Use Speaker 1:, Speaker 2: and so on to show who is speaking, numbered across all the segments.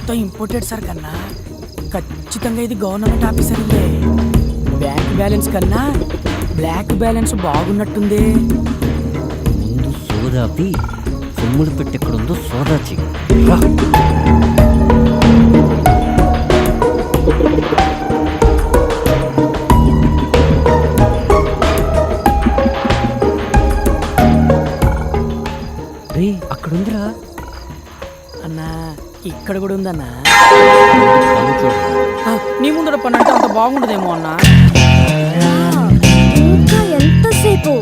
Speaker 1: మొత్తం imported sir కన్నా ఖచ్చితంగా ఇది గవర్నమెంట్ ఆఫీసర్లే. బ్యాంక్ బ్యాలెన్స్ కన్నా బ్లాక్ బ్యాలెన్స్ బాగున్నట్టుంది.
Speaker 2: ముందు సోదాపి సొమ్ములు పెట్టెక్కడుందో సోదా చెయ్యి. రే అక్కడుందిరా
Speaker 1: అన్నా, ఇక్కడ కూడా ఉందన్నా.
Speaker 2: పన్ను చూడు.
Speaker 1: నీ ముందర పని అంటే అంత బాగుండదేమో అన్నా.
Speaker 3: ఇంకా ఎంతసేపు?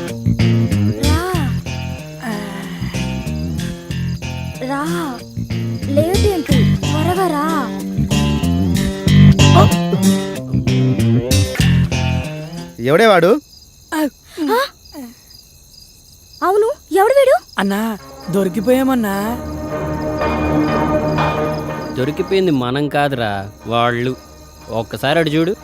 Speaker 3: రా లేట్ ఏంటి, త్వరగా రా.
Speaker 4: ఎవడే వాడు?
Speaker 3: అవును, ఎవడు వీడు?
Speaker 1: అన్నా దొరికిపోయామన్నా.
Speaker 2: దొరికిపోయింది మనం కాదురా, వాళ్ళు. ఒక్కసారి అడు చూడు.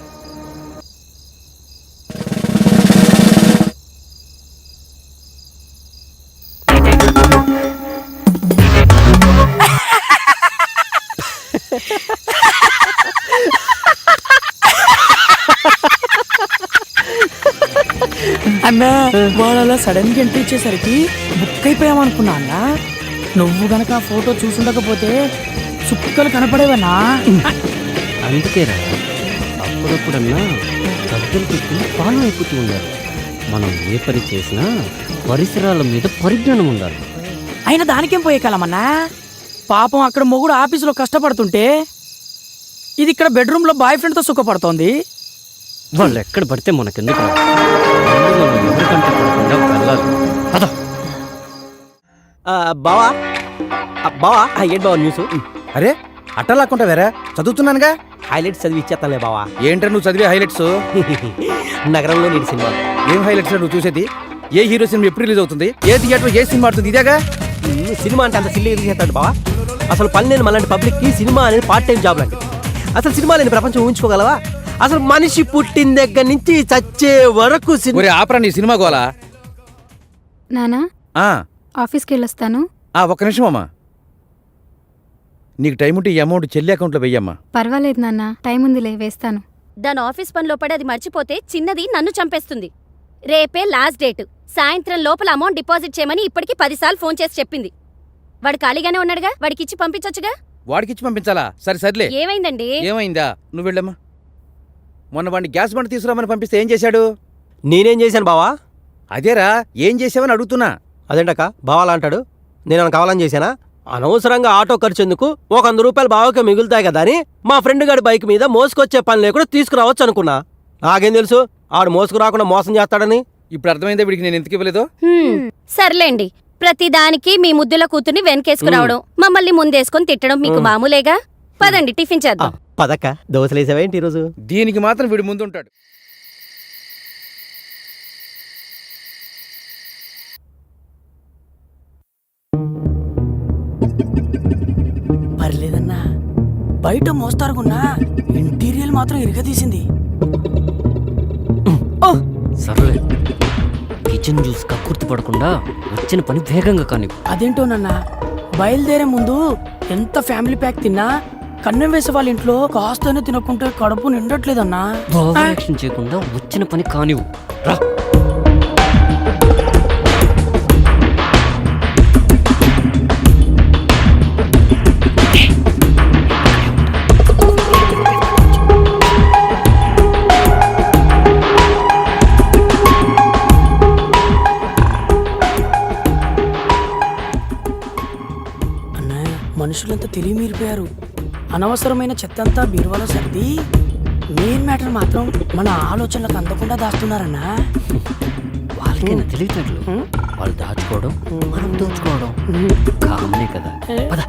Speaker 1: అన్నా వాడు అలా సడన్ గా ఎంట్రీ ఇచ్చేసరికి బుక్ అయిపోయామనుకున్నా అన్నా. నువ్వు గనక ఆ ఫోటో చూసుండకపోతే చుక్కలు కనపడేవన్నా.
Speaker 2: అందుకేరా అప్పుడప్పుడన్నా పెద్దలు పెట్టుకుని పాలన అయిపోతూ ఉండాలి. మనం ఏ పని చేసినా పరిసరాల మీద పరిజ్ఞానం ఉండాలి.
Speaker 1: అయినా దానికేం పోయే కాలమన్నా. పాపం అక్కడ మొగుడు ఆఫీసులో కష్టపడుతుంటే ఇది ఇక్కడ బెడ్రూమ్ లో బాయ్ ఫ్రెండ్ తో సుఖపడుతోంది.
Speaker 2: వాళ్ళు ఎక్కడ పడితే మనకెందుకు? ఎవరికంటే పడకుండా వెళ్ళాలి. పద.
Speaker 5: బావా బావా, ఏంటి బావా న్యూస్?
Speaker 4: అరే అట్టలాక్కుంటా వేరే చదువుతున్నానుగా.
Speaker 5: హైలైట్స్ చదివి ఇచ్చేస్తానులే బావా.
Speaker 4: ఏంట్రా నువ్వు చదివే హైలైట్స్?
Speaker 5: నగరంలో నీటి సినిమా.
Speaker 4: ఏం హైలైట్స్ నువ్వు చూసేది? ఏ హీరో సినిమా ఎప్పుడు రిలీజ్ అవుతుంది? ఏ థియేటర్ ఏ సినిమా ఆడుతుంది? ఇదేగా
Speaker 5: సినిమా అంటే అంత సిల్లీ చేస్తాడు బావా. అసలు పని లేని మళ్ళీ పబ్లిక్ కి సినిమా అనేది పార్ట్ టైం జాబ్ లాంటిది. అసలు సినిమా లేని ప్రపంచం ఊహించుకోగలవా? అసలు మనిషి పుట్టిన దగ్గర నుంచి చచ్చే వరకు
Speaker 4: ఆపరా నీ సినిమా గోలా.
Speaker 3: నానా
Speaker 4: ఆ
Speaker 3: ఆఫీస్కి వెళ్ళొస్తాను.
Speaker 4: ఒక్క నిమిషం అమ్మా. నీకు టైం ఉంటే ఈ అమౌంట్ చెల్లి అకౌంట్లో వెయ్యమ్మా.
Speaker 3: పర్వాలేదు నాన్న, టైం ఉందిలే, వేస్తాను.
Speaker 6: దాని ఆఫీస్ పనిలో పడి అది మర్చిపోతే చిన్నది నన్ను చంపేస్తుంది. రేపే లాస్ట్ డేట్. సాయంత్రం లోపల అమౌంట్ డిపాజిట్ చేయమని ఇప్పటికి 10 సార్లు ఫోన్ చేసి చెప్పింది. వాడు ఖాళీగానే ఉన్నాడుగా, వాడికిచ్చి పంపించొచ్చుగా.
Speaker 4: వాడికిచ్చి పంపించాలా? సర్లే.
Speaker 6: ఏమైందండి?
Speaker 4: ఏమైందా? నువ్వు వెళ్ళమ్మా. మొన్న వాడిని గ్యాస్ బండి తీసుకురామని పంపిస్తే ఏం చేశాడు?
Speaker 5: నేనేం చేశాను బావా?
Speaker 4: అదేరా, ఏం చేసావని అడుగుతున్నా.
Speaker 5: అదేంటక్క బావాలా అంటాడు? నేను కావాలని చేశానా? అనవసరంగా ఆటో ఖర్చు ఎందుకు, 100 రూపాయలు బావకే మిగులుతాయి కదా అని మా ఫ్రెండ్ గారి బైక్ మీద మోసుకొచ్చే పని లేకుండా తీసుకురావచ్చు అనుకున్నా. నాకేం తెలుసు ఆడు మోసుకురాకుండా మోసం చేస్తాడని.
Speaker 4: ఇప్పుడు అర్థమైందా వీడికి నేను ఎందుకు ఇవ్వలేదో?
Speaker 6: సర్లేండి, ప్రతిదానికి మీ ముద్దుల కూతుర్ని వెనకేసుకురావడం, మమ్మల్ని ముందేసుకొని తిట్టడం మీకు మామూలేగా. పదండి టిఫిన్ చేద్దాం.
Speaker 5: పదక్క, దోశలేసావేంటి ఈరోజు?
Speaker 4: దీనికి మాత్రం వీడి ముందుంటాడు.
Speaker 1: పర్లేదన్నా, బయట మోస్తారుకున్నా ఇంటీరియల్ మాత్రం ఇరగదీసింది.
Speaker 2: సర్లే, కిచెన్ జ్యూస్ కక్కుర్తి పడకుండా వచ్చిన పని వేగంగా కాని.
Speaker 1: అదేంటోనన్నా, బయలుదేరే ముందు ఎంత ఫ్యామిలీ ప్యాక్ తిన్నా కన్నం వేసే వాళ్ళ ఇంట్లో కాస్తనే తినకుంటే కడుపు నిండట్లేదన్నా.
Speaker 2: యాక్షన్ చేయకుండా వచ్చిన పని కానివు. రా.
Speaker 1: మనుషులంతా తెలియమీరిపోయారు. అనవసరమైన చెత్తంతా బీరువాలో సర్ది మెయిన్ మ్యాటర్ మాత్రం మన ఆలోచనలకు అందకుండా దాస్తున్నారన్నా.
Speaker 2: వాళ్ళకైనా తెలియట్లేదు. వాళ్ళు దాచుకోవడం, మనం దోచుకోవడం కామనే కదా. పద.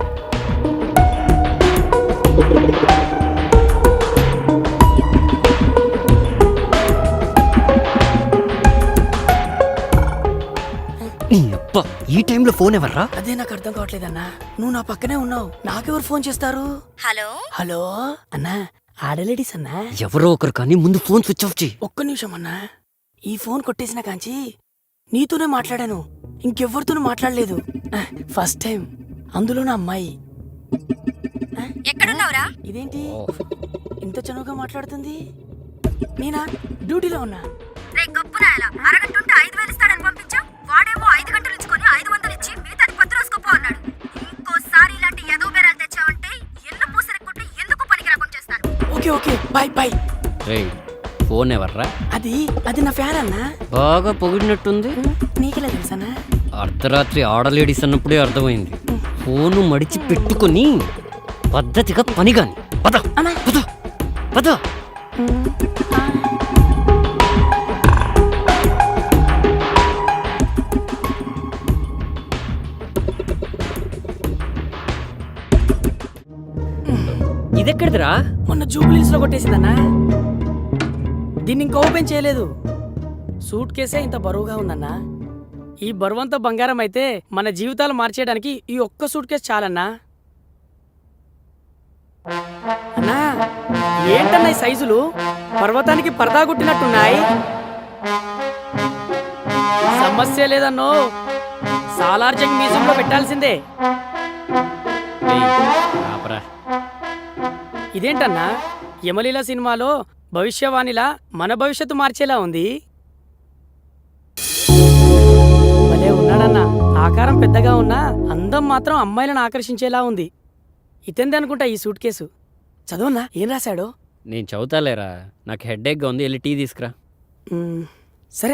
Speaker 2: ఈ టైంలో ఫోన్ ఎవర్రా?
Speaker 1: అదే నాకు అర్థం కావట్లేదన్నా. నువ్వు నా పక్కనే ఉన్నావు, నాకెవరు ఫోన్ చేస్తారు?
Speaker 6: హలో
Speaker 1: హలో అన్నా, ఆడలేడీస్ అన్నా.
Speaker 2: ఎవరో ఒకరు కానీ ముందు ఫోన్ స్విచ్ ఆఫ్ చేయి.
Speaker 1: ఒక్క నిమిషం అన్నా, ఈ ఫోన్ కొట్టేసిన కాంచి నీతోనే మాట్లాడాను, ఇంకెవ్వరితోనూ మాట్లాడలేదు. ఫస్ట్ టైం, అందులో నా అమ్మాయి. ఇదేంటి ఇంత చనువుగా మాట్లాడుతుంది? నేనా డ్యూటీలో ఉన్నా.
Speaker 6: రే గప్పు నాయలా, అరగంట ఉంటే 5,000 ఇస్తాడని పంపించావు. వాడేమో 5 గంటలు ఇచ్చుకొని 500 ఇచ్చి మిగతాది 10 రోజుకోపో అన్నాడు. ఇంకోసారి ఇలాంటి ఎదో బేరాలు తెచ్చావంటే ఎల్లు పూసరెక్కుంటే ఎందుకు పనికి రాకుండా చేస్తాను.
Speaker 1: Okay bye bye.
Speaker 2: రేయ్ ఫోన్ ఎవర్రా?
Speaker 1: అది నా ఫ్యాన్ అన్నా.
Speaker 2: బాగా పొగిడినట్టుంది.
Speaker 1: నీకెలా తెలుసన్నా?
Speaker 2: అర్ధరాత్రి ఆడలేడీస్ అన్నప్పుడే అర్థమైంది. ఫోను మడిచి పెట్టుకుని పద్ధతిగా పని కాని. పద
Speaker 1: అన్నా.
Speaker 2: పద పద. ఇదెక్కడిదిరా?
Speaker 1: మొన్న జూబ్లీస్ లో కొట్టేసిందన్నా. దీన్ని ఇంకా ఓపెన్ చేయలేదు. సూట్ కేసే ఇంత బరువుగా ఉందన్నా. ఈ బరువంతా బంగారం అయితే మన జీవితాలు మార్చేయడానికి ఈ ఒక్క సూట్ కేసు చాలన్నా. అన్నా ఏంటన్నా ఈ సైజులు? పర్వతానికి పరదా గుట్టినట్టున్నాయి. సమస్య లేదన్నో, సాలార్జంగ్ మ్యూజియంలో పెట్టాల్సిందే.
Speaker 2: రేయ్, ఆపరా.
Speaker 1: ఇదేంటన్నా యమలీల సినిమాలో భవిష్యవాణిలా మన భవిష్యత్తు మార్చేలా ఉంది. భలే ఉన్నాడన్నా. ఆకారం పెద్దగా ఉన్నా అందం మాత్రం అమ్మాయిలను ఆకర్షించేలా ఉంది. ఇతంది అనుకుంటా ఈ సూట్ కేసు. చదవన్నా ఏం రాశాడో?
Speaker 2: నేను చదువుతాలేరా, నాకు హెడ్ఏక్గా ఉంది. వెళ్ళి టీ తీసుకురా.
Speaker 1: సరే.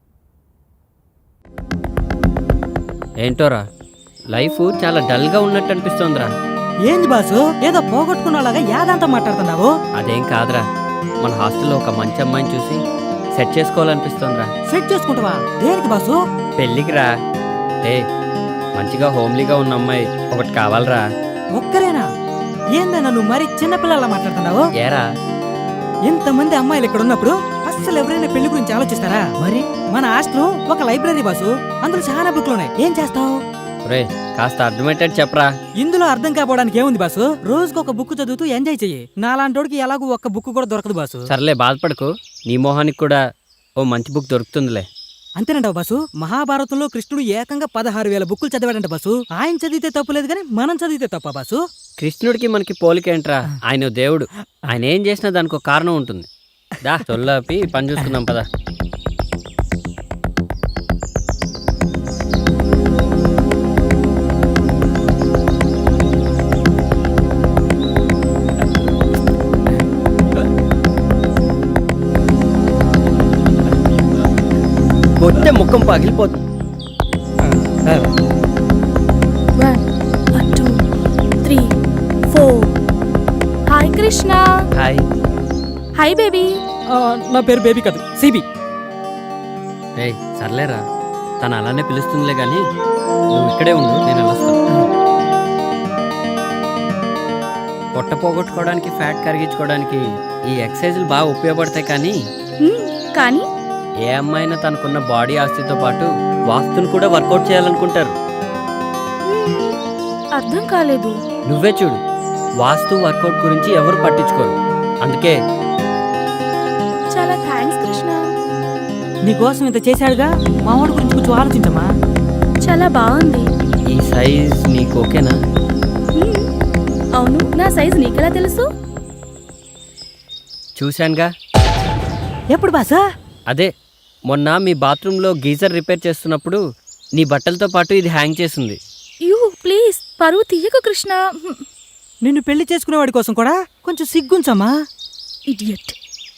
Speaker 2: ఏంటోరా లైఫ్ చాలా డల్గా ఉన్నట్టు అనిపిస్తోందిరా.
Speaker 7: ఏంది బాసు ఏదో పోగొట్టుకున్నలాగా యాదంతా మాట్లాడుతున్నావు?
Speaker 2: అదేం కాదురా, మన హాస్టల్లో ఒక మంచి అమ్మాయిని చూసి సెట్ చేసుకోవాలనిపిస్తోందిరా.
Speaker 7: సెట్ చేసుకుంటావా? దేనికి బాసు?
Speaker 2: పెళ్ళికి రా. మంచిగా హోమ్లీగా ఉన్న అమ్మాయి ఒకటి కావాలరా.
Speaker 7: ఒక్కరేనా? ఏందన్నా నువ్వు మరి చిన్నపిల్లలా మాట్లాడుతున్నావు?
Speaker 2: ఏరా,
Speaker 7: ఇంతమంది అమ్మాయిలు ఇక్కడ ఉన్నప్పుడు అస్సలు ఎవరైనా పెళ్లి గురించి ఆలోచిస్తారా? మరి మన హాస్టల్ ఒక లైబ్రరీ బాసు, అందులో చాలా బుక్లు ఉన్నాయి. ఏం చేస్తావు?
Speaker 2: రే కాస్త అర్థమయ్యేటట్టు చెప్పరా.
Speaker 7: ఇందులో అర్థం కాపోవడానికి ఏముంది బాసు? రోజుకు ఒక బుక్ చదువుతూ ఎంజాయ్ చెయ్యి. నాలాంటోడికి ఎలాగూ ఒక్క బుక్ కూడా దొరకదు బాసు.
Speaker 2: సర్లే బాధపడకు, నీ మొహానికి కూడా ఓ మంచి బుక్ దొరుకుతుందిలే.
Speaker 7: అంతేనంటావు బాసు? మహాభారతంలో కృష్ణుడు ఏకంగా 16,000 బుక్కులు చదివాడంట బాసు. ఆయన చదివితే తప్పులేదు కానీ మనం చదివితే తప్ప బాసు?
Speaker 2: కృష్ణుడికి మనకి పోలికేంట్రా, ఆయన దేవుడు. ఆయన ఏం చేసినా దానికి ఒక కారణం ఉంటుంది. దా చొల్లాపి పని చూసుకుందాం పదా. కొట్టే ముఖం పగిలిపోతుంది.
Speaker 3: 1 2 3 4. Hi Krishna.
Speaker 2: Hi.
Speaker 3: Hi baby.
Speaker 7: నా పేరు బేబీ కాదు, సిబి.
Speaker 2: రే సర్లేరా, తను అలానే పిలుస్తుందిలే కానీ నువ్వు ఇక్కడే ఉండు, నేను వెళ్ళొస్తాను. పొట్ట పోగొట్టుకోవడానికి ఫ్యాట్ కరిగించుకోవడానికి ఈ ఎక్సర్సైజులు బాగా ఉపయోగపడతాయి.
Speaker 3: కానీ
Speaker 2: ఏ అమ్మాయినా తనకున్న బాడీ ఆస్తితో పాటు వాస్తుని కూడా వర్కౌట్ చేయాలనుకుంటారు.
Speaker 3: అర్థం కాలేదు.
Speaker 2: నువ్వే చూడు, వాస్తు వర్కౌట్ గురించి ఎవరు పట్టించుకోరు. అందుకే
Speaker 3: చాలా థ్యాంక్స్ కృష్ణ.
Speaker 7: నీకోసం ఇంత చేశాడుగా, మా వాడి గురించి కొంచెం ఆలోచించమ్మా.
Speaker 3: చాలా బాగుంది.
Speaker 2: ఈ సైజ్ నీకు ఓకేనా?
Speaker 3: అవును, నా సైజ్ నీకెలా తెలుసు?
Speaker 2: చూశానుగా.
Speaker 7: ఎప్పుడు బాసా?
Speaker 2: అదే మొన్న మీ బాత్రూంలో గీజర్ రిపేర్ చేస్తున్నప్పుడు నీ బట్టలతో పాటు ఇది హ్యాంగ్ చేసింది.
Speaker 3: యూ ప్లీజ్ పరువు తీయకు కృష్ణ.
Speaker 7: నిన్ను పెళ్లి చేసుకునేవాడి కోసం కూడా కొంచెం సిగ్గుంచమ్మా.
Speaker 3: ఇడియట్.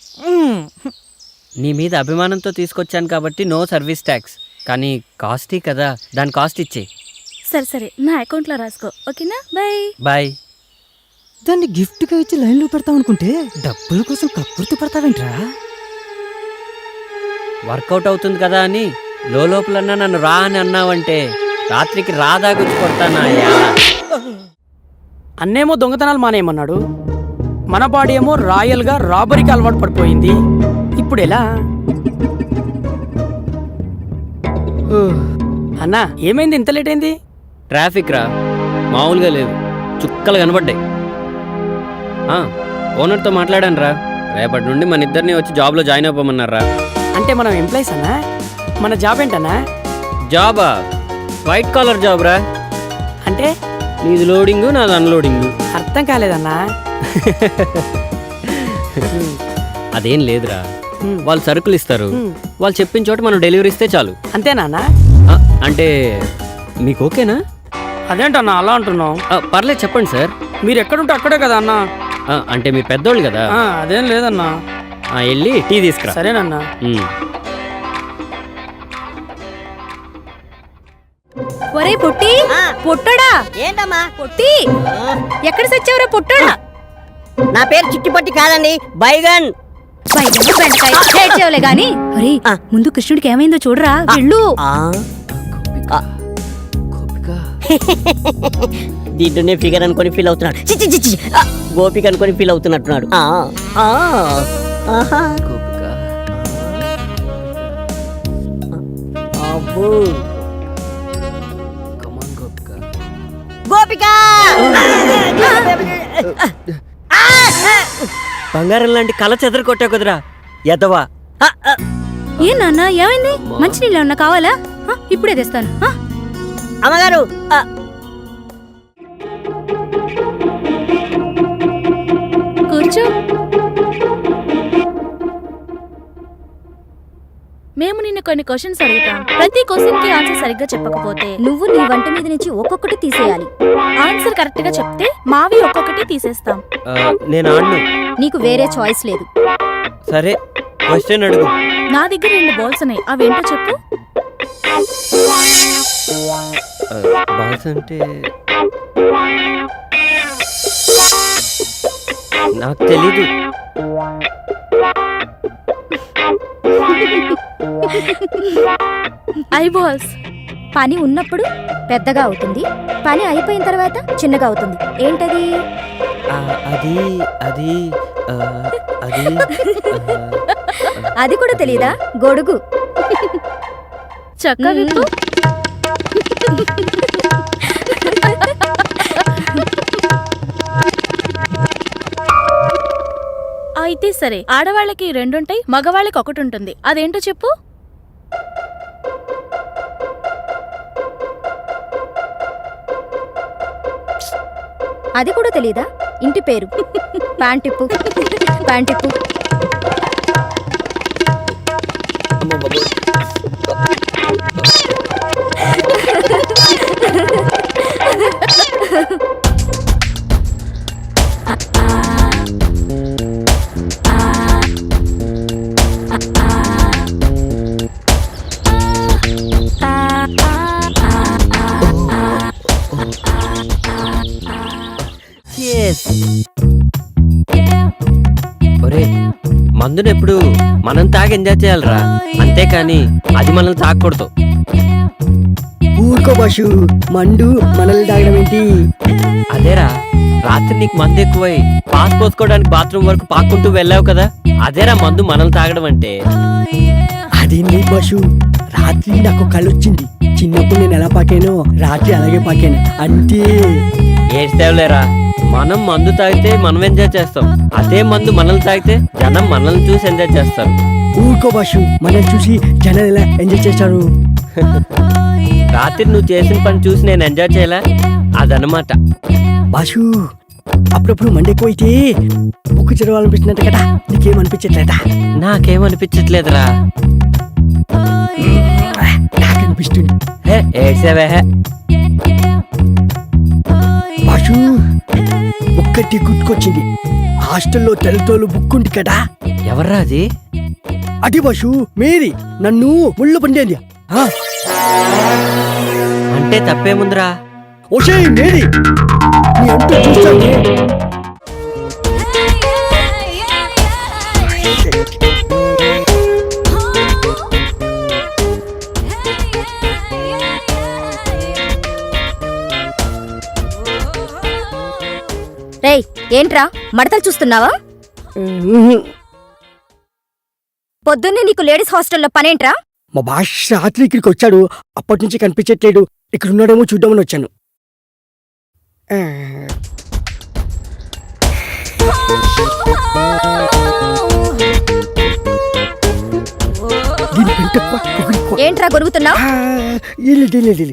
Speaker 2: నీ మీద అభిమానంతో తీసుకొచ్చాను కాబట్టి నో సర్వీస్ ట్యాక్స్, కానీ కాస్టీ కదా, దాని కాస్ట్ ఇచ్చే.
Speaker 3: సరే సరే, నా అకౌంట్లో రాసుకో. ఓకేనా? Bye
Speaker 2: bye.
Speaker 7: దాన్ని గిఫ్ట్గా ఇచ్చి లైన్లో పెడతావు అనుకుంటే డబ్బుల కోసం కక్కుర్తి పడతావేంట్రా?
Speaker 2: వర్కౌట్ అవుతుంది కదా అని లోపలన్నా నన్ను రా అని అన్నావంటే రాత్రికి రాదా గుచ్చి కొడతానా?
Speaker 1: అన్నేమో దొంగతనాలు మానేయమన్నాడు, మన బాడీ ఏమో రాయల్గా రాబరీకి అలవాటు పడిపోయింది. ఇప్పుడు ఎలా? అన్నా ఏమైంది ఇంత లేట్ అయింది?
Speaker 2: ట్రాఫిక్ రా, మామూలుగా లేదు, చుక్కలు కనబడ్డాయి. ఓనర్తో మాట్లాడాను రా, రేపటి నుండి మన ఇద్దరిని వచ్చి జాబ్లో జాయిన్ అవ్వమన్నారా.
Speaker 1: అంటే మనం ఎంప్లాయీస్ అన్నా? మన జాబ్ ఏంటన్నా?
Speaker 2: జాబా? వైట్ కాలర్ జాబ్ రా.
Speaker 1: అంటే
Speaker 2: నీది లోడింగు, నాది అన్లోడింగు.
Speaker 1: అర్థం కాలేదన్నా.
Speaker 2: అదేం లేదురా,
Speaker 1: హ్మ్.
Speaker 2: వాళ్ళు సరుకులు ఇస్తారు,
Speaker 1: హ్మ్.
Speaker 2: వాళ్ళు చెప్పిన చోట మనం డెలివరీ ఇస్తే చాలు.
Speaker 1: అంతేనా అన్న?
Speaker 2: ఆ, అంటే మీకు ఓకేనా?
Speaker 1: అదేంటన్నా అలా అంటున్నావు?
Speaker 2: పర్లేదు చెప్పండి సార్.
Speaker 1: మీరు ఎక్కడుంటే అక్కడే కదా అన్న.
Speaker 2: అంటే మీరు పెద్దోళ్ళు కదా.
Speaker 1: అదేం లేదన్నా.
Speaker 2: వెళ్ళి టీ తీసుకురా.
Speaker 1: సరేనన్నా.
Speaker 2: ఉమ్.
Speaker 3: ఒరే పొట్టి, పొట్టడా
Speaker 8: ఏంటమ్మా?
Speaker 3: పొట్టి, ఎక్కడ సచ్చావురా పొట్టడా?
Speaker 8: నా పేరు చిట్టిపట్టి కాదండి, బైగన్.
Speaker 3: బయట బెండకాయ చేర్చేవలే గాని. ఒరే ముందు కృష్ణుడికి ఏమైందో చూడరా, వెళ్ళు.
Speaker 8: దీంట్లోనే ఫిగర్ అనుకొని ఫీల్ అవుతున్నాడు. చి, చి, చి, చి. గోపిక అనుకొని ఫీల్ అవుతున్నట్టున్నాడు. ఆహా. అబ్బో. గోపిక
Speaker 2: బంగారం లాంటి కళ చెదర కొట్టావు కదరా ఎదవా.
Speaker 3: ఏ నాన్న ఏమైంది? మంచినీళ్ళు ఏమన్నా కావాలా? ఇప్పుడే తెస్తాను.
Speaker 8: అమ్మగారు,
Speaker 3: కూర్చో. మేము నిన్ను కొన్ని క్వశ్చన్స్ అడుగుతాం. ప్రతి క్వశ్చన్ కి ఆన్సర్ సరిగ్గా చెప్పకపోతే
Speaker 6: నువ్వు నీ వంట మీద నుంచి ఒక్కొక్కటి తీసేయాలి.
Speaker 3: ఆన్సర్ కరెక్ట్ గా చెప్తే మావి ఒక్కొక్కటి తీసేస్తాం.
Speaker 2: నేను ఆడను.
Speaker 6: నీకు వేరే చాయిస్ లేదు.
Speaker 2: సరే, క్వశ్చన్ అడుగు.
Speaker 3: నా దగ్గర 2 బాల్స్ ఉన్నాయి, అవేంటో చెప్పు.
Speaker 2: బాల్స్ అంటే నాకు తెలీదు.
Speaker 3: I balls.
Speaker 6: పని ఉన్నప్పుడు పెద్దగా అవుతుంది, పని అయిపోయిన తర్వాత చిన్నగా అవుతుంది. ఏంటది?
Speaker 2: అది అది అది
Speaker 6: అది కూడా తెలీదా? గొడుగు.
Speaker 3: చక్క విప్పు. అయితే సరే, ఆడవాళ్ళకి 2 ఉంటాయి, మగవాళ్ళకి 1 ఉంటుంది. అదేంటో చెప్పు.
Speaker 6: అది కూడా తెలీదా? ఇంటి పేరు. ప్యాంటిప్పు. ప్యాంటిప్పు.
Speaker 2: ఒరే, మందునెప్పుడు మనం తాగి ఎంజాయ్ చేయాలరా, అంతేకాని అది మనల్ని తాగకూడదు.
Speaker 9: ఊరుకో బాషు, మండు మనల్ని తాగడం ఏంటి?
Speaker 2: అదేరా, రాత్రి నీకు మందు ఎక్కువై పాస్ పోసుకోవడానికి బాత్రూమ్ వరకు పాక్కుంటూ వెళ్ళావు కదా, అదేరా మందు మనల్ని తాగడం అంటే.
Speaker 9: అదేంటి బాషు, రాత్రి నాకు కళ్ళొచ్చింది. చిన్నప్పుడు నేను ఎలా పాకానో రాత్రి అలాగే పాకాను అంతే.
Speaker 2: ఏడ్చేవలేరా, మనం మందు తాగితే మనం ఎంజాయ్ చేస్తాం, అదే మందు మనల్ని తాగితే జనం మనల్ని చూసి ఎంజాయ్ చేస్తారు.
Speaker 9: ఊరుకో బాషు, మనల్ని చూసి జనాలు ఎలా ఎంజాయ్ చేస్తారు?
Speaker 2: రాత్రి నువ్వు చేసిన పని చూసి నేను ఎంజాయ్ చేయలే, అదనమాట.
Speaker 9: బాషు, అప్పుడప్పుడు మండి ఎక్కువైతే బుక్కు చదవాలనిపిస్తున్నట్టు కదా, నీకేమనిపించట్లేదా?
Speaker 2: నాకేమనిపించట్లేదురా.
Speaker 9: నాకు అనిపిస్తుంది.
Speaker 2: ఏడ్చేవే.
Speaker 9: బాషు, ఒక్కటి గుర్తుకొచ్చింది. హాస్టల్లో తెల్లతోలు బుక్ ఉంది కదా.
Speaker 2: ఎవర్రా అది?
Speaker 9: అడి బాషు, మేరీ నన్ను ముళ్ళు పండేది.
Speaker 2: అంటే తప్పేముందిరా?
Speaker 9: ఓషే మేరీ, నీ అంటూ చూస్తానే.
Speaker 6: రేయ్, ఏంట్రా మడతలు చూస్తున్నావా? పొద్దున్నే నీకు లేడీస్ హాస్టల్లో పనేంట్రా?
Speaker 9: మా బాష్ రాత్రి ఇక్కడికి వచ్చాడు, అప్పటి నుంచి కనిపించట్లేడు. ఇక్కడ ఉన్నాడేమో చూద్దామని వచ్చాను. దీని పెంటప్ప, ఒకరికో.
Speaker 6: ఏంట్రా గొరుగుతున్నావు?
Speaker 9: ఇల్లు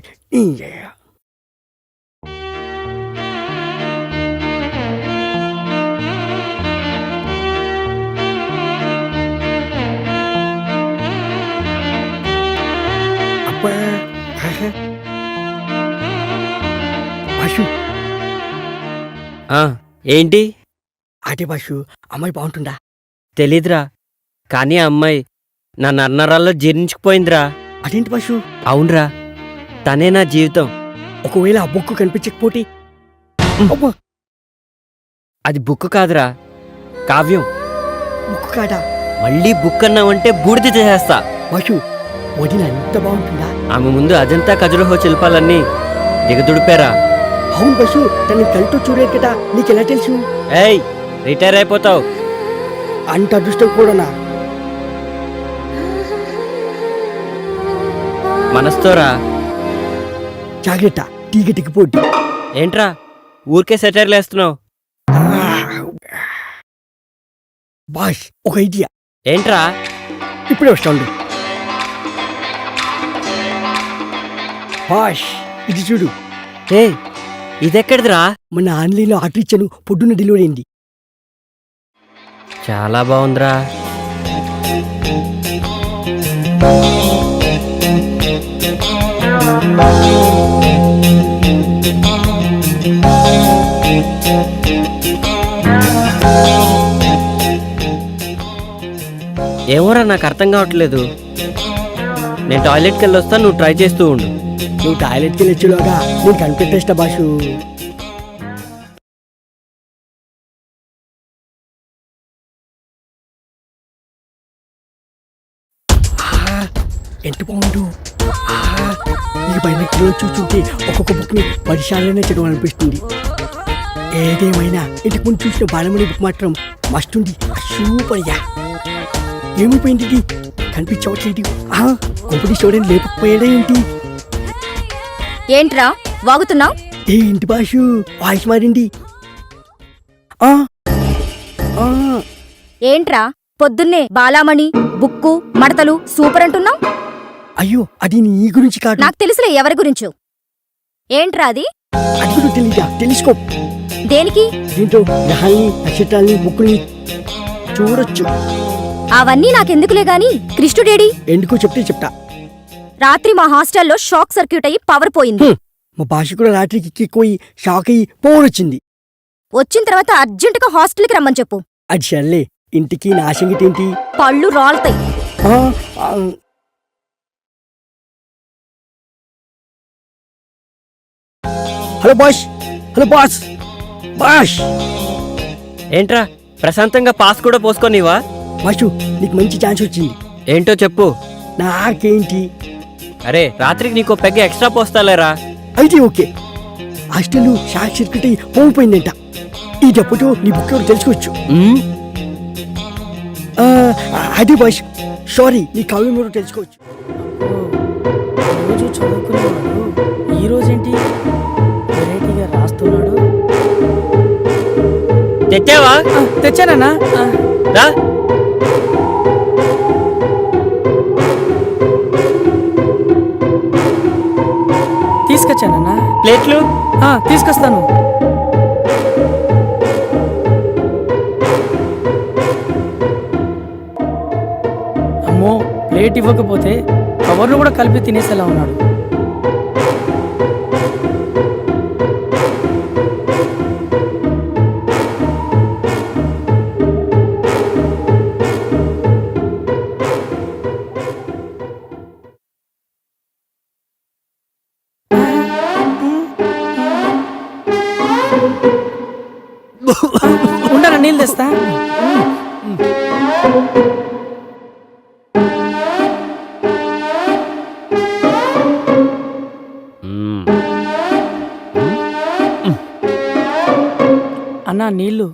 Speaker 9: బాషు
Speaker 2: ఆ, ఏంటి?
Speaker 9: అదే బాషు అమ్మాయి బాగుంటుందా?
Speaker 2: తెలీదురా, కానీ ఆ అమ్మాయి నా నన్నరాల్లో జీర్ణించుకుపోయిందిరా.
Speaker 9: అదేంటి బాషు?
Speaker 2: అవునరా, తనే నా జీవితం.
Speaker 9: ఒకవేళ ఆ బుక్ కనిపించకపోతే? అబ్బా,
Speaker 2: అది బుక్ కాదురా, కావ్యం.
Speaker 9: బుక్ కాదా?
Speaker 2: మళ్ళీ బుక్ అన్నావంటే బూడిద చేసేస్తా.
Speaker 9: బాషు వదిన ఎంత బాగుంటుందా?
Speaker 2: ఆమె ముందు అజంతా ఖజురహో శిల్పాలన్నీ దిగదుడిపారా.
Speaker 9: అవును బాషు, తన కళ్ళతో చూడలేదు కదా, నీకెలా తెలుసు?
Speaker 2: ఏయ్, రిటైర్ అయిపోతావు.
Speaker 9: అంత అదృష్టం కూడానా?
Speaker 2: మనస్తోరా.
Speaker 9: జాగ్రత్త, టీగటికి పోటీ.
Speaker 2: ఏంట్రా ఊరికే సెటైర్లు వేస్తున్నావు?
Speaker 9: బాష్, ఒక ఐడియా.
Speaker 2: ఏంట్రా?
Speaker 9: ఇప్పుడే వస్తాడు. బాష్, ఇది చూడు.
Speaker 2: ఏ, ఇదెక్కడిదిరా?
Speaker 9: మన ఆన్లైన్లో ఆర్డర్ ఇచ్చాను, పొద్దున్న డెలివరీ అయింది.
Speaker 2: చాలా బాగుందిరా. ఏమోరా, నాకు అర్థం కావట్లేదు. నేను టాయిలెట్కి వెళ్ళి వస్తాను, నువ్వు ట్రై చేస్తూ ఉండు.
Speaker 9: నువ్వు టాయిలెట్కి వెళ్ళొచ్చులోగా నేను కనిపెట్టేస్తా బాషు. ఎంత బాగుండు. ఈ బైనెక్లో చూస్తుంటే ఒక్కొక్క బుక్ని 10 సార్లనే చదవాలనిపిస్తుంది. ఏదేమైనా ఇంటికి ముందు చూసిన బాలమణి బుక్ మాత్రం మస్తుంది. Super ya. ఏమైపోయింది ఇది? కనిపించవట్లేదు. కొంపటి చూడని లేకపోయాడే ఏంటి?
Speaker 6: ఏంట్రా వాగుతున్నావు?
Speaker 9: ఏంటి బాషు వాయిస్ మారింది? ఆ ఆ
Speaker 6: ఏంట్రా పొద్దున్నే బాలామణి బుక్కు మడతలు సూపర్ అంటున్నావు?
Speaker 9: అయ్యో, అది నీ గురించి కాదు.
Speaker 6: నాకు తెలుసులే ఎవరి గురించో. ఏంట్రా అది?
Speaker 9: అది కూడా తెలీదా? తెలుసుకో.
Speaker 6: దేనికి?
Speaker 9: దీంట్లో గ్రహాల్ని, నక్షత్రాల్ని, బుక్కుల్ని చూడొచ్చు.
Speaker 6: అవన్నీ నాకెందుకులే గాని కృష్ణుడేడి?
Speaker 9: ఎందుకో చెప్తే చెప్తా.
Speaker 6: రాత్రి మా హాస్టల్లో షాక్ సర్క్యూట్ అయ్యి పవర్ పోయింది.
Speaker 9: మా భాష కూడా రాత్రికి ఎక్కిపోయి షాక్ అయ్యి పోవచ్చింది.
Speaker 6: వచ్చిన తర్వాత అర్జెంటుగా హాస్టల్కి రమ్మని చెప్పు.
Speaker 9: అది సర్లే, ఇంటికి నా సంగతి ఏంటి?
Speaker 6: పళ్ళు రాలుతాయి.
Speaker 9: ఆ, ఆ, hello boss. Hello boss. Boss,
Speaker 2: ఏంట్రా ప్రశాంతంగా పాస్ కూడా పోసుకోనివా?
Speaker 9: బాషు నీకు మంచి ఛాన్స్ వచ్చింది.
Speaker 2: ఏంటో చెప్పు.
Speaker 9: నాకేంటి?
Speaker 2: అరే, రాత్రికి నీకో పెగ్గ ఎక్స్ట్రా పోస్తాలేరా.
Speaker 9: అయితే ఓకే. హాస్టల్ షాక్ సర్క్యూట్ అయ్యి పోయిపోయిందంట. ఈ డబ్బుతో నీ బుక్ ఎవరు తెలుసుకోవచ్చు. అది బాష్, సారీ, నీ కావ్యం ఎవరు తెలుసుకోవచ్చు.
Speaker 1: రోజు చదువుకునేవాడు ఈ రోజేంటి వెరైటీగా రాస్తున్నాడు?
Speaker 2: తెచ్చావా?
Speaker 1: తెచ్చానన్నా.
Speaker 2: రా.
Speaker 1: తీసుకొచ్చానన్నా.
Speaker 2: ప్లేట్లు
Speaker 1: తీసుకొస్తాను. అమ్మో, ప్లేట్ ఇవ్వకపోతే కవర్లు కూడా కలిపి తినేసేలా ఉన్నాడు. ఉండరా, నీళ్ళు తెస్తా. అన్నా నీళ్ళు.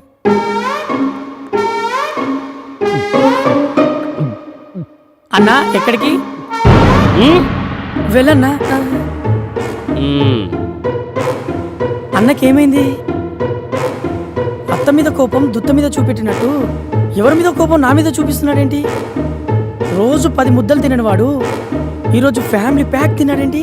Speaker 1: అన్నా ఎక్కడికి వెళ్ళన్నా? అన్నకేమైంది? అత్త మీద కోపం దుత్త మీద చూపెట్టినట్టు ఎవరి మీద కోపం నా మీద చూపిస్తున్నాడేంటి? రోజు 10 ముద్దలు తినవాడు ఈరోజు ఫ్యామిలీ ప్యాక్ తిన్నాడేంటి?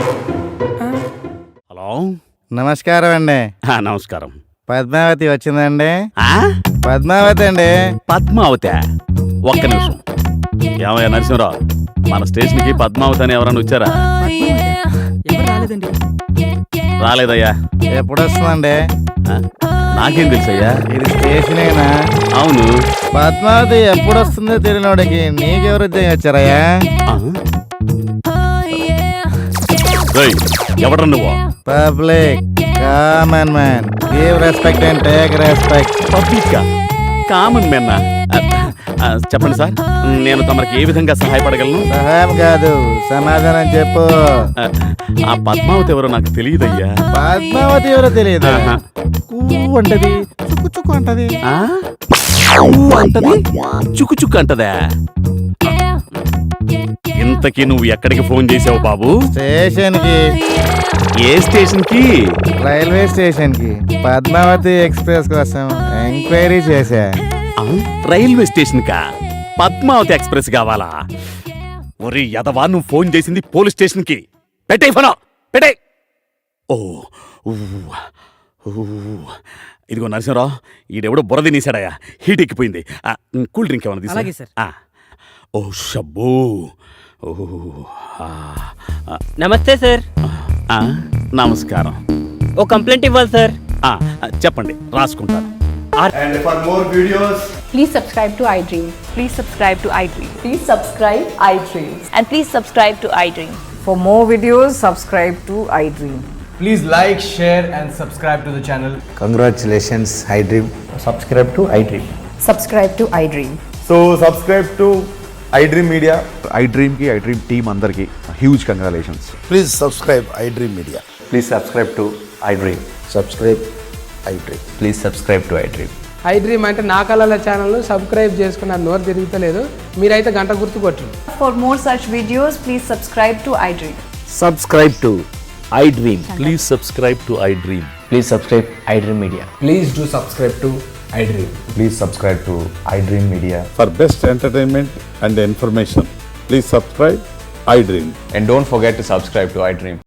Speaker 10: హలో,
Speaker 11: నమస్కారం అండి.
Speaker 10: నమస్కారం.
Speaker 11: పద్మావతి వచ్చిందండి?
Speaker 10: ఆ?
Speaker 11: పద్మావతి అండి.
Speaker 10: పద్మావతి? ఒక్క నిమిషం. ఏమయ్యా నరసింహరావు, మన స్టేషన్కి పద్మావతి అని ఎవరన్నా వచ్చారా?
Speaker 7: ఎవరు రాలేదండి.
Speaker 10: రాలేదయ్యా.
Speaker 11: ఎప్పుడు వస్తుందండి?
Speaker 10: ఆ? నాకేం తెలుసయ్యా?
Speaker 11: ఇది స్టేషనేనా?
Speaker 10: అవును.
Speaker 11: పద్మావతి ఎప్పుడు వస్తుందో తెలియనోడికి నీకెవరు ఉద్యోగం వచ్చారయ్యా?
Speaker 10: ఆ? రేయ్, ఎవడ్రా నువ్వు?
Speaker 11: Public common man, give respect and take respect.
Speaker 10: Public common మెన్న. చెప్పండి సార్, నేను తమరికి ఏ విధంగా సహాయపడగలను?
Speaker 11: సహాయం కాదు, సమాధానం చెప్పు.
Speaker 10: ఆ పద్మావతి ఎవరో నాకు తెలియదయ్యా.
Speaker 11: పద్మావతి ఎవరో తెలియదు.
Speaker 10: ఆహా.
Speaker 11: అంటది, చుక్కు చుక్కు అంటది.
Speaker 10: ఆ? ఊ అంటది, చుక్కు చుక్కు అంటదా? ఇంతకీ నువ్వు ఎక్కడికి ఫోన్ చేసావు బాబు?
Speaker 11: స్టేషన్ కి.
Speaker 10: ఏ స్టేషన్ కి?
Speaker 11: రైల్వే స్టేషన్ కి పద్మావతి ఎక్స్ప్రెస్ కోసం ఎంక్వైరీ చేశా.
Speaker 10: ఆ? రైల్వే స్టేషన్ కా? పద్మావతి ఎక్స్ప్రెస్ కావాలా? ఒరి యదవా, నువ్వు ఫోన్ చేసింది పోలీస్ స్టేషన్ కి. పెట్టే ఫోన్, పెట్టే. ఓ ఊ, ఊ. ఇదిగో నరసింహరావు, ఈడెవడో బురద నీసాడయా, హీట్ ఎక్కిపోయింది. కూల్ డ్రింక్ ఏమన్నా
Speaker 7: అలాగే
Speaker 10: తీసా?
Speaker 7: సార్.
Speaker 10: ఓ షబ్బో. ఓ ఆ, ఆ,
Speaker 8: నమస్తే సార్.
Speaker 10: ఆ, నమస్కారం.
Speaker 8: ఓ కంప్లైంట్ ఇవ్వాలి సార్.
Speaker 10: చెప్పండి, రాసుకుంటాను.
Speaker 12: And for more videos,
Speaker 6: Please subscribe to iDream.
Speaker 3: Please subscribe to iDream.
Speaker 6: Please subscribe iDream.
Speaker 3: And please subscribe to iDream.
Speaker 6: For more videos, subscribe to iDream.
Speaker 12: please like, share, and subscribe to the channel.
Speaker 11: Congratulations iDream. Subscribe to iDream.
Speaker 6: Subscribe to iDream.
Speaker 12: So subscribe to iDream Media.
Speaker 13: iDream కి iDream team అందరికి huge congratulations.
Speaker 11: Please subscribe iDream media.
Speaker 13: Please subscribe to iDream.
Speaker 11: Subscribe iDream.
Speaker 13: Please subscribe to iDream.
Speaker 7: iDream అంటే నా కళల channel subscribe చేసుకున్న నోరు తిరుగుతలేదు. మీరైతే గంట గుర్తు కొట్టు.
Speaker 6: For more such videos, please subscribe to iDream.
Speaker 2: Subscribe to iDream.
Speaker 10: Please subscribe to iDream.
Speaker 2: Please subscribe iDream media.
Speaker 12: Please do subscribe to iDream.
Speaker 13: Please subscribe to iDream media.
Speaker 11: For best entertainment and information please subscribe iDream.
Speaker 13: And don't forget to subscribe to iDream.